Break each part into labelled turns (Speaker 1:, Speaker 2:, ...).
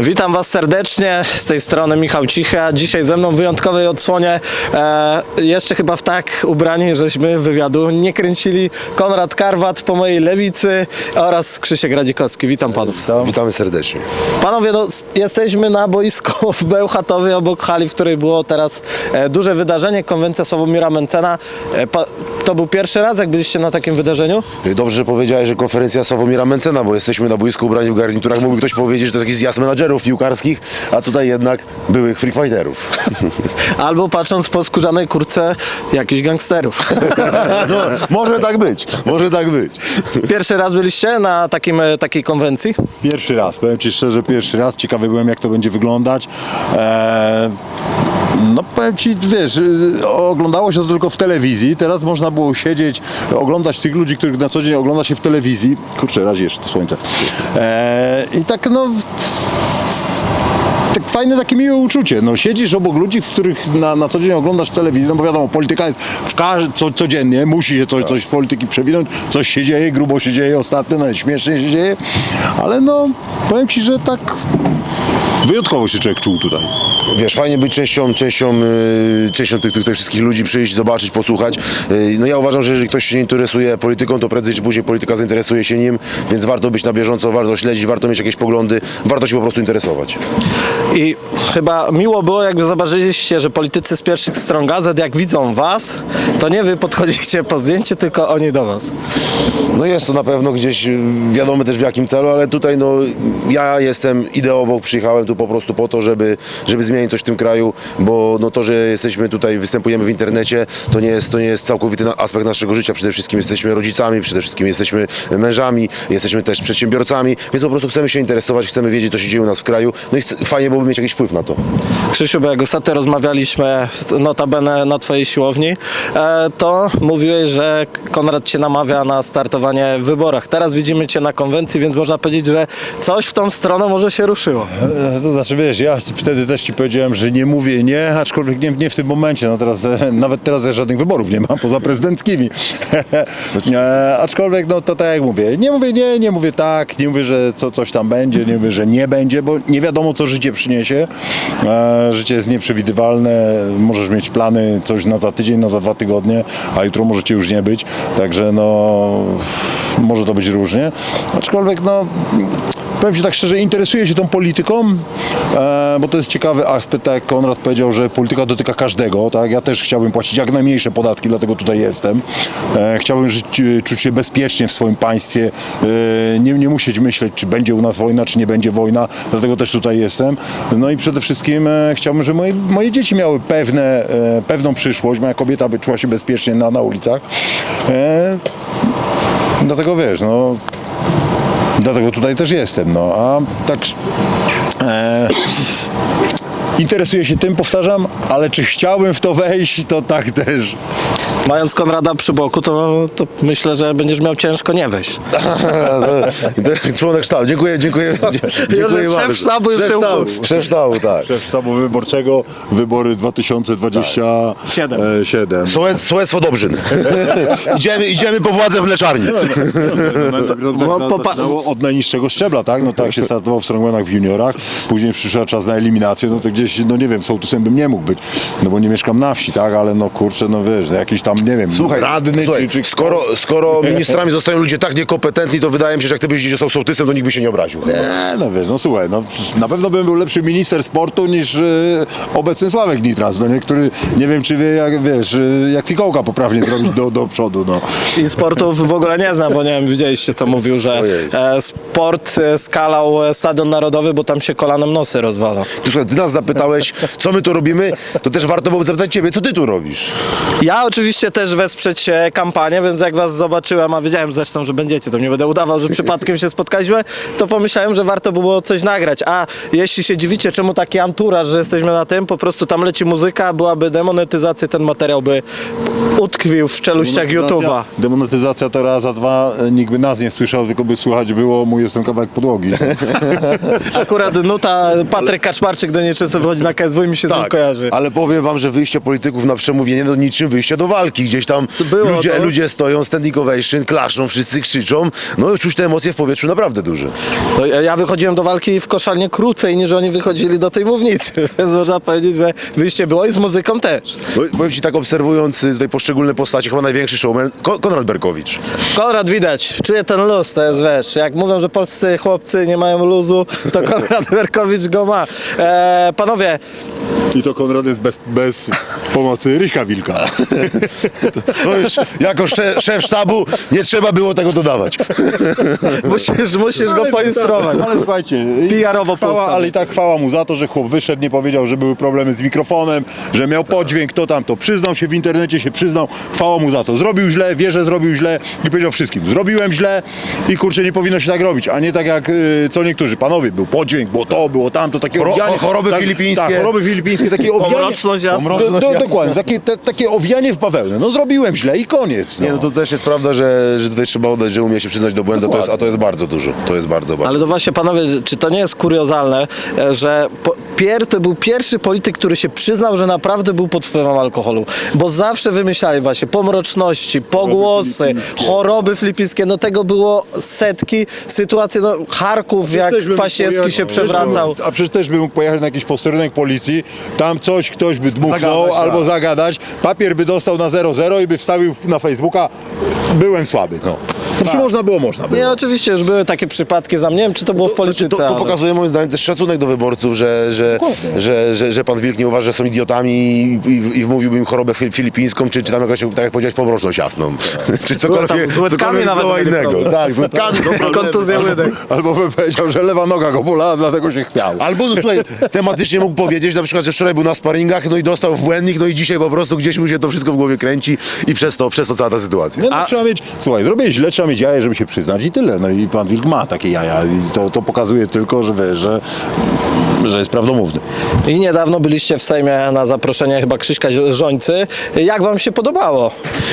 Speaker 1: Witam Was serdecznie, z tej strony Michał Cichy, a dzisiaj ze mną w wyjątkowej odsłonie, jeszcze chyba w tak ubrani, żeśmy wywiadu nie kręcili, Konrad Karwat po mojej lewicy oraz Krzysiek Radzikowski. Witam Panów.
Speaker 2: Witamy serdecznie.
Speaker 1: Panowie, no, jesteśmy na boisku w Bełchatowie obok hali, w której było teraz duże wydarzenie, konwencja Sławomira Mentzena. To był pierwszy raz, jak byliście na takim wydarzeniu?
Speaker 2: Dobrze, że powiedziałeś, że konferencja Sławomira Mentzena, bo jesteśmy na boisku ubrani w garniturach. Mógłby ktoś powiedzieć, że to jest jakiś zjazd menadżerów piłkarskich, a tutaj jednak byłych freak fighterów.
Speaker 1: Albo patrząc po skórzanej kurtce jakichś gangsterów.
Speaker 2: No, może tak być, może tak być.
Speaker 1: Pierwszy raz byliście na takiej konwencji?
Speaker 3: Pierwszy raz, powiem Ci szczerze, pierwszy raz. Ciekawy byłem, jak to będzie wyglądać. No powiem Ci, wiesz, oglądało się to tylko w telewizji, teraz można było siedzieć, oglądać tych ludzi, których na co dzień ogląda się w telewizji. Kurczę, razie jeszcze to słońce. I tak no... Tak fajne, takie miłe uczucie. No, siedzisz obok ludzi, w których na co dzień oglądasz w telewizji, no bo wiadomo, polityka jest codziennie, musi się coś z polityki przewinąć, coś się dzieje, grubo się dzieje ostatnio, nawet śmiesznie się dzieje, ale no, powiem Ci, że tak wyjątkowo się człowiek czuł tutaj.
Speaker 2: Wiesz, fajnie być częścią tych wszystkich ludzi, przyjść, zobaczyć, posłuchać. No ja uważam, że jeżeli ktoś się nie interesuje polityką, to prędzej czy później polityka zainteresuje się nim, więc warto być na bieżąco, warto śledzić, warto mieć jakieś poglądy, warto się po prostu interesować.
Speaker 1: I chyba miło było, jakby zobaczyliście, że politycy z pierwszych stron gazet, jak widzą Was, to nie Wy podchodzicie po zdjęcie, tylko oni do Was.
Speaker 2: No jest to na pewno gdzieś wiadomo też w jakim celu, ale tutaj no ja jestem ideowo, przyjechałem tu po prostu po to, żeby zmienić coś w tym kraju, bo no to, że jesteśmy tutaj, występujemy w internecie, to nie jest całkowity aspekt naszego życia. Przede wszystkim jesteśmy rodzicami, przede wszystkim jesteśmy mężami, jesteśmy też przedsiębiorcami, więc po prostu chcemy się interesować, chcemy wiedzieć, co się dzieje u nas w kraju, no i fajnie byłoby mieć jakiś wpływ na to.
Speaker 1: Krzysiu, bo jak ostatnio rozmawialiśmy notabene na Twojej siłowni, to mówiłeś, że Konrad Cię namawia na startowanie w wyborach. Teraz widzimy Cię na konwencji, więc można powiedzieć, że coś w tą stronę może się ruszyło.
Speaker 3: To znaczy, wiesz, ja wtedy też Ci powiedziałem, że nie mówię nie, aczkolwiek nie w tym momencie. No teraz, nawet teraz żadnych wyborów nie ma, poza prezydenckimi. Aczkolwiek, no to tak jak mówię, nie mówię nie, nie mówię tak, nie mówię, że coś tam będzie, nie mówię, że nie będzie, bo nie wiadomo, co życie przyniesie. Życie jest nieprzewidywalne, możesz mieć plany coś na za tydzień, na za 2 tygodnie, a jutro możecie już nie być, także no może to być różnie. Aczkolwiek no powiem Ci tak szczerze, interesuję się tą polityką, bo to jest ciekawy aspekt, tak jak Konrad powiedział, że polityka dotyka każdego, tak? Ja też chciałbym płacić jak najmniejsze podatki, dlatego tutaj jestem. Chciałbym czuć się bezpiecznie w swoim państwie, nie musieć myśleć, czy będzie u nas wojna, czy nie będzie wojna, dlatego też tutaj jestem. No i przede wszystkim chciałbym, żeby moje dzieci miały pewną przyszłość, moja kobieta by czuła się bezpiecznie na ulicach. Dlatego wiesz, no... Dlatego tutaj też jestem, no a tak interesuję się tym, powtarzam, ale czy chciałbym w to wejść, to tak też.
Speaker 1: Mając Konrada przy boku, to myślę, że będziesz miał ciężko nie wejść.
Speaker 2: Członek sztabu, dziękuję bardzo.
Speaker 1: Szef sztabu już się ukuł.
Speaker 2: Szef sztabu, tak.
Speaker 3: Szef sztabu wyborczego, wybory 2027.
Speaker 2: Sołectwo Dobrzyn. Idziemy po władzę w mleczarni.
Speaker 3: Od najniższego szczebla, tak? No tak się startował w strongmanach w juniorach, później przyszedł czas na eliminację, no to gdzieś, no nie wiem, sołtysem bym nie mógł być, no bo nie mieszkam na wsi, tak? Ale no kurczę, no wiesz, jakiś tam, nie wiem,
Speaker 2: Słuchaj,
Speaker 3: radny czy...
Speaker 2: Skoro ministrami zostają ludzie tak niekompetentni, to wydaje mi się, że jak ty byś został sołtysem, to nikt by się nie obraził.
Speaker 3: Nie, no wiesz, no słuchaj, no na pewno bym był lepszy minister sportu niż obecny Sławek Nitras, no niektóry, nie wiem czy wie, jak wiesz, jak fikołka poprawnie zrobić do przodu, no.
Speaker 1: I sportów w ogóle nie znam, bo nie wiem, widzieliście co mówił, że sport skalał Stadion Narodowy, bo tam się kolanem nosy rozwala.
Speaker 2: Ty nas zapytałeś, co my tu robimy, to też warto byłoby zapytać ciebie, co ty tu robisz?
Speaker 1: Ja oczywiście też wesprzeć kampanię, więc jak Was zobaczyłem, a wiedziałem zresztą, że będziecie, to nie będę udawał, że przypadkiem się spotkaliśmy, to pomyślałem, że warto było coś nagrać. A jeśli się dziwicie, czemu taki anturaż, że jesteśmy na tym, po prostu tam leci muzyka, byłaby demonetyzacja, ten materiał by utkwił w czeluściach YouTube'a.
Speaker 3: Demonetyzacja to raz, a dwa, nikt by nas nie słyszał, tylko by słychać było mój jest ten kawałek podłogi.
Speaker 1: Akurat nuta Patryk Kaczmarczyk do nieczęsto wychodzi na KSW i mi się z nim kojarzy.
Speaker 2: Ale powiem wam, że wyjście polityków na przemówienie to niczym wyjście do walki. walki, gdzieś tam
Speaker 1: Było to.
Speaker 2: ludzie stoją, standing ovation, klaszczą, wszyscy krzyczą, no i czuć te emocje w powietrzu naprawdę duże.
Speaker 1: To ja wychodziłem do walki w koszalnie krócej niż oni wychodzili do tej mównicy, więc można powiedzieć, że wyjście było i z muzyką też.
Speaker 2: Powiem ci tak, obserwując tutaj poszczególne postacie, chyba największy showman, Konrad Berkowicz.
Speaker 1: Konrad widać, czuje ten luz, to jest wiesz, jak mówią, że polscy chłopcy nie mają luzu, to Konrad Berkowicz go ma. Panowie,
Speaker 3: I to Konrad jest bez pomocy Ryśka Wilka.
Speaker 2: To już jako szef sztabu nie trzeba było tego dodawać.
Speaker 1: musisz go poinstruować.
Speaker 3: Ale słuchajcie,
Speaker 1: PR-owo
Speaker 3: chwała, ale i tak chwała mu za to, że chłop wyszedł, nie powiedział, że były problemy z mikrofonem, że miał podźwięk, to tamto. Przyznał się w internecie, się przyznał, chwała mu za to. Zrobił źle, wie, że zrobił źle i powiedział wszystkim. Zrobiłem źle i kurczę, nie powinno się tak robić, a nie tak jak co niektórzy. Panowie, był podźwięk, było to, było tamto, takie owijanie.
Speaker 2: Choroby filipińskie.
Speaker 3: Tak, choroby filipińskie, takie owijanie.
Speaker 1: Pomroczność jasna.
Speaker 3: Dokładnie, takie owijanie w bawełnę. No zrobiłem źle i koniec.
Speaker 2: Nie, no to też jest prawda, że tutaj trzeba oddać, że umie się przyznać do błędu, a to jest bardzo dużo. To jest bardzo.
Speaker 1: Ale to właśnie, panowie, czy to nie jest kuriozalne, że to był pierwszy polityk, który się przyznał, że naprawdę był pod wpływem alkoholu, bo zawsze wymyślali właśnie pomroczności, pogłosy, choroby filipińskie, no tego było setki, sytuacje, no Charków, jak Kwaśniewski się przewracał.
Speaker 3: A przecież też bym mógł pojechać na jakiś posterunek policji, tam ktoś by dmuchnął
Speaker 2: Zagadać,
Speaker 3: albo
Speaker 2: tak.
Speaker 3: zagadać, papier by dostał na 0,0 i by wstawił na Facebooka, byłem słaby, no. Znaczy można było.
Speaker 1: Nie, oczywiście, już były takie przypadki, nie wiem, czy to było w polityce,
Speaker 2: To
Speaker 1: ale...
Speaker 2: pokazuje moim zdaniem też szacunek do wyborców, że pan Wilk nie uważa, że są idiotami i wmówiłby im chorobę filipińską, czy tam jakąś, tak jak powiedziałeś, pomroczność jasną. Czy cokolwiek,
Speaker 1: z łydkami
Speaker 2: cokolwiek
Speaker 1: nawet
Speaker 2: zgoła
Speaker 1: mieli
Speaker 2: innego.
Speaker 1: problem.
Speaker 2: Tak, z łydkami.
Speaker 1: Kontuzja łydek.
Speaker 3: Albo by powiedział, że lewa noga go bolała, dlatego się chwiał.
Speaker 2: Albo, no, słuchaj, tematycznie mógł powiedzieć na przykład, że wczoraj był na sparingach, no i dostał w błędnik, no i dzisiaj po prostu gdzieś mu się to wszystko w głowie kręci i przez to cała ta sytuacja.
Speaker 3: Nie, no, trzeba mieć, słuchaj, zrobię źle, trzeba mieć jaja, żeby się przyznać i tyle. No i pan Wilk ma takie jaja i to pokazuje tylko, że wiesz, że jest prawdomówny.
Speaker 1: I niedawno byliście w Sejmie na zaproszenie chyba Krzyśka Żońcy. Jak wam się podobało?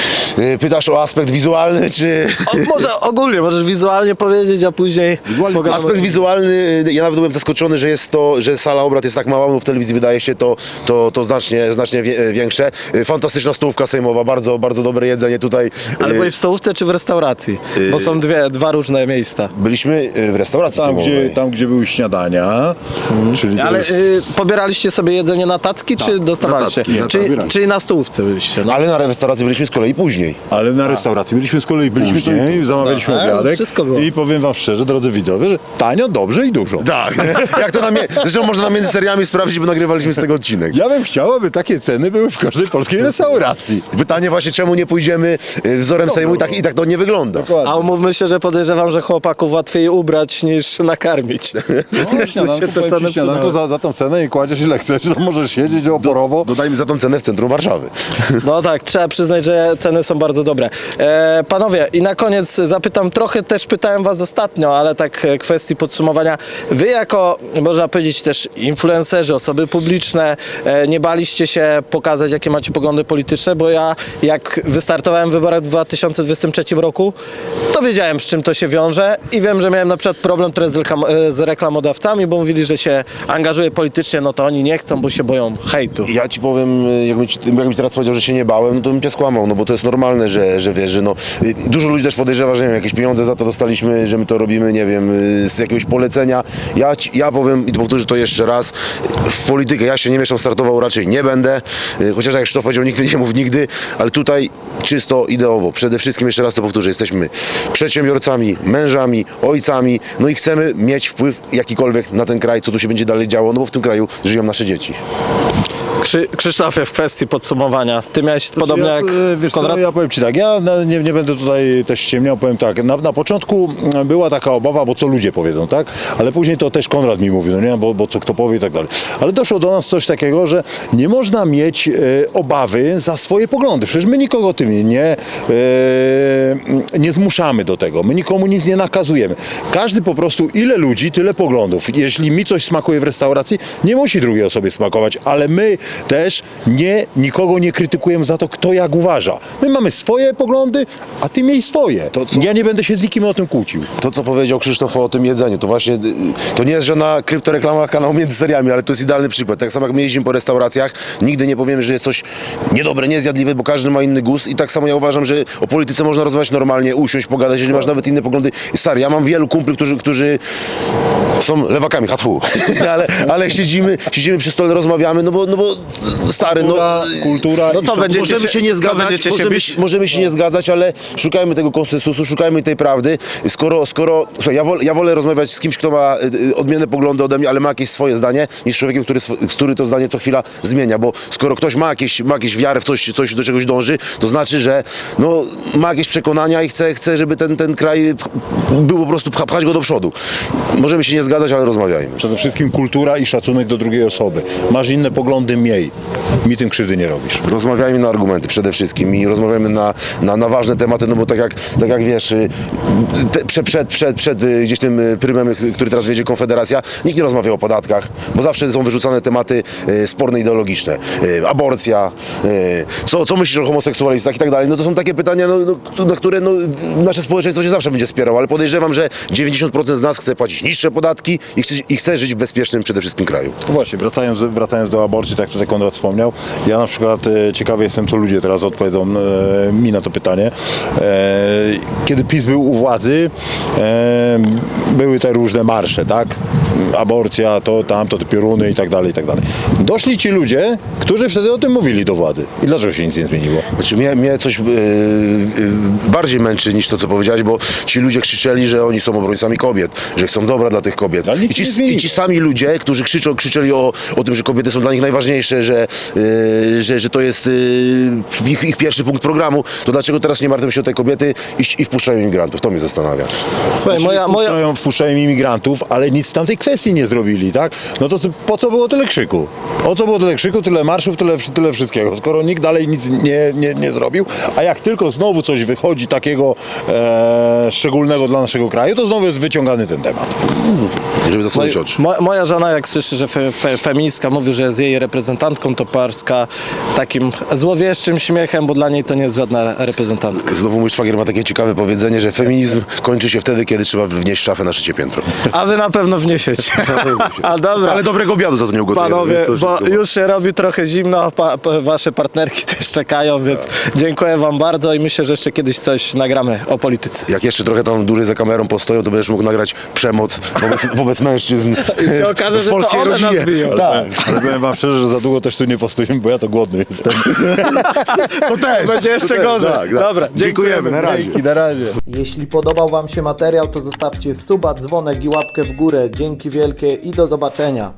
Speaker 2: Pytasz o aspekt wizualny, czy...
Speaker 1: Może ogólnie, możesz wizualnie powiedzieć, a później pogadamy.
Speaker 2: Aspekt wizualny, ja nawet byłem zaskoczony, że sala obrad jest tak mała, bo w telewizji wydaje się to znacznie większe. Fantastyczna stołówka sejmowa, bardzo, bardzo dobre jedzenie tutaj.
Speaker 1: Ale byłeś w stołówce czy w restauracji? Bo są dwa różne miejsca.
Speaker 2: Byliśmy w restauracji sejmowej.
Speaker 3: Tam, gdzie były śniadania, czyli to
Speaker 1: Ale
Speaker 3: jest...
Speaker 1: pobieraliście sobie jedzenie na tacki, czy dostawaliście?
Speaker 3: tacki, na
Speaker 1: Czyli na stołówce byliście? No.
Speaker 2: Ale na restauracji byliśmy z kolei później.
Speaker 3: Ale na restauracji byliśmy z kolei później, zamawialiśmy
Speaker 1: No,
Speaker 3: obiadek
Speaker 1: wszystko było.
Speaker 3: i powiem wam szczerze, drodzy widzowie, że tanio, dobrze i dużo.
Speaker 2: Tak, jak to zresztą można między seriami sprawdzić, bo nagrywaliśmy z tego odcinek.
Speaker 3: Ja bym chciał, aby takie ceny były w każdej polskiej restauracji.
Speaker 2: Pytanie właśnie, czemu nie pójdziemy wzorem Sejmu i tak to nie wygląda.
Speaker 1: A umówmy się, że podejrzewam, że chłopaków łatwiej ubrać niż nakarmić.
Speaker 3: No, śniadanko,
Speaker 1: się te
Speaker 3: powiem
Speaker 1: ceny
Speaker 3: ci, śniadanko za tą cenę i kładziesz ile chcesz, to możesz siedzieć oporowo.
Speaker 2: Dodajmy za tą cenę w centrum Warszawy.
Speaker 1: No tak, trzeba przyznać, że ceny są bardzo dobre. Panowie, i na koniec zapytam, trochę też pytałem was ostatnio, ale tak kwestii podsumowania. Wy jako, można powiedzieć też influencerzy, osoby publiczne, nie baliście się pokazać, jakie macie poglądy polityczne, bo ja jak wystartowałem w wyborach w 2023 roku, to wiedziałem, z czym to się wiąże i wiem, że miałem na przykład problem trochę z reklamodawcami, bo mówili, że się angażuję politycznie, no to oni nie chcą, bo się boją hejtu.
Speaker 2: Ja ci powiem, jakbym ci teraz powiedział, że się nie bałem, no to bym cię skłamał, no bo to jest normalne, że wiesz, że no, dużo ludzi też podejrzewa, że nie wiem, jakieś pieniądze za to dostaliśmy, że my to robimy, nie wiem, z jakiegoś polecenia. Ja powiem i powtórzę to jeszcze raz, w politykę ja się nie mieszam, startował raczej nie będę, chociaż jak Krzysztof powiedział, nigdy nie mów nigdy, ale tutaj czysto ideowo, przede wszystkim jeszcze raz to powtórzę, jesteśmy przedsiębiorcami, mężami, ojcami, no i chcemy mieć wpływ jakikolwiek na ten kraj, co tu się będzie dalej działo, no bo w tym kraju żyją nasze dzieci.
Speaker 1: Krzysztofie, w kwestii podsumowania, ty miałeś podobnie jak
Speaker 3: wiesz
Speaker 1: Konrad?
Speaker 3: co, ja powiem ci tak, ja nie będę tutaj też ściemniał, powiem tak, na początku była taka obawa, bo co ludzie powiedzą, tak? Ale później to też Konrad mi mówił, no nie, bo co kto powie i tak dalej. Ale doszło do nas coś takiego, że nie można mieć obawy za swoje poglądy. Przecież my nikogo tym nie zmuszamy do tego. My nikomu nic nie nakazujemy. Każdy po prostu, ile ludzi, tyle poglądów. Jeśli mi coś smakuje w restauracji, nie musi drugiej osobie smakować, ale my też nikogo nie krytykujemy za to, kto jak uważa. My mamy swoje poglądy, a ty miej swoje. Ja nie będę się z nikim o tym kłócił.
Speaker 2: To, co powiedział Krzysztof o tym jedzeniu, to właśnie, to nie jest żadna kryptoreklama kanału między seriami, ale to jest idealny przykład. Tak samo jak my jeździmy po restauracjach, nigdy nie powiemy, że jest coś niedobre, niezjadliwe, bo każdy ma inny gust i tak samo ja uważam, że o polityce można rozmawiać normalnie, usiąść, pogadać, jeżeli masz nawet inne poglądy. Stary, ja mam wielu kumpli, którzy są lewakami, hatfu, ale siedzimy przy stole, rozmawiamy, no bo stary,
Speaker 3: Kultura
Speaker 1: No to będziecie
Speaker 2: możemy się nie zgadzać,
Speaker 1: będziecie się bić?
Speaker 2: możemy się nie zgadzać, ale szukajmy tego konsensusu, szukajmy tej prawdy. Słuchaj, ja wolę rozmawiać z kimś, kto ma odmienne poglądy ode mnie, ale ma jakieś swoje zdanie, niż z człowiekiem, który to zdanie co chwila zmienia, bo skoro ktoś ma jakieś wiarę w coś do czegoś dąży, to znaczy, że no, ma jakieś przekonania i chce, żeby ten kraj był po prostu, pchać go do przodu. Możemy się nie zgadzać, ale rozmawiajmy.
Speaker 3: Przede wszystkim kultura i szacunek do drugiej osoby. Masz inne poglądy, miej. Mi tym krzywdy nie robisz.
Speaker 2: Rozmawiajmy na argumenty przede wszystkim i rozmawiajmy na ważne tematy, no bo tak jak wiesz, przed gdzieś tym prymem, który teraz wiedzie Konfederacja, nikt nie rozmawia o podatkach, bo zawsze są wyrzucane tematy sporne, ideologiczne. Aborcja, co myślisz o homoseksualistach i tak dalej. No to są takie pytania, na które nasze społeczeństwo się zawsze będzie wspierało, ale podejrzewam, że 90% z nas chce płacić niższe podatki i chce żyć w bezpiecznym przede wszystkim kraju.
Speaker 3: No właśnie, wracając do aborcji, tak jak tutaj Konrad wspomniał, ja na przykład ciekawy jestem, co ludzie teraz odpowiedzą mi na to pytanie. Kiedy PiS był u władzy, były te różne marsze, tak? Aborcja, to, tamto, te pioruny i tak dalej, i tak dalej. Doszli ci ludzie, którzy wtedy o tym mówili do władzy. I dlaczego się nic nie zmieniło?
Speaker 2: Znaczy mnie coś bardziej męczy niż to, co powiedziałeś, bo ci ludzie krzyczeli, że oni są obrońcami kobiet, że chcą dobra dla tych kobiet.
Speaker 3: Ale nic się nie zmieniło.
Speaker 2: I ci sami ludzie, którzy krzyczeli o tym, że kobiety są dla nich najważniejsze, że to jest ich pierwszy punkt programu, to dlaczego teraz nie martwią się o te kobiety i wpuszczają imigrantów? To mnie zastanawia.
Speaker 1: Słuchaj,
Speaker 3: Wpuszczają imigrantów, ale nic w tamtej kwestii nie zrobili, tak? No to po co było tyle krzyku? O co było tyle krzyku, tyle marszów, tyle wszystkiego, skoro nikt dalej nic nie zrobił, a jak tylko znowu coś wychodzi takiego szczególnego dla naszego kraju, to znowu jest wyciągany ten temat.
Speaker 2: Żeby zasłonić oczy.
Speaker 1: Moja żona, jak słyszy, że feministka mówi, że jest jej reprezentantką, to parska takim złowieszczym śmiechem, bo dla niej to nie jest żadna reprezentantka.
Speaker 2: Znowu mój szwagier ma takie ciekawe powiedzenie, że feminizm kończy się wtedy, kiedy trzeba wnieść szafę na trzecie piętro.
Speaker 1: A wy na pewno wniesiecie. A dobra.
Speaker 2: Ale dobrego obiadu za to nie ugotujemy.
Speaker 1: Panowie,
Speaker 2: więc to
Speaker 1: bo
Speaker 2: wszystko-
Speaker 1: już się robi trochę zimno, wasze partnerki też czekają, więc dziękuję wam bardzo i myślę, że jeszcze kiedyś coś nagramy o polityce.
Speaker 2: Jak jeszcze trochę tam dłużej za kamerą postoją, to będziesz mógł nagrać przemoc wobec mężczyzn
Speaker 1: I się okaże,
Speaker 2: w
Speaker 1: że to
Speaker 2: polskiej
Speaker 1: one nas
Speaker 2: rodzinie.
Speaker 1: biją.
Speaker 3: Ale powiem wam szczerze, że za długo też tu nie postawimy, bo ja to głodny jestem.
Speaker 2: To też.
Speaker 1: Będzie jeszcze
Speaker 2: to też,
Speaker 1: gorzej.
Speaker 2: tak.
Speaker 1: Dobra,
Speaker 2: Dziękujemy, na razie.
Speaker 1: Dzięki, na razie.
Speaker 4: Jeśli podobał Wam się materiał, to zostawcie suba, dzwonek i łapkę w górę. Dzięki wielkie i do zobaczenia.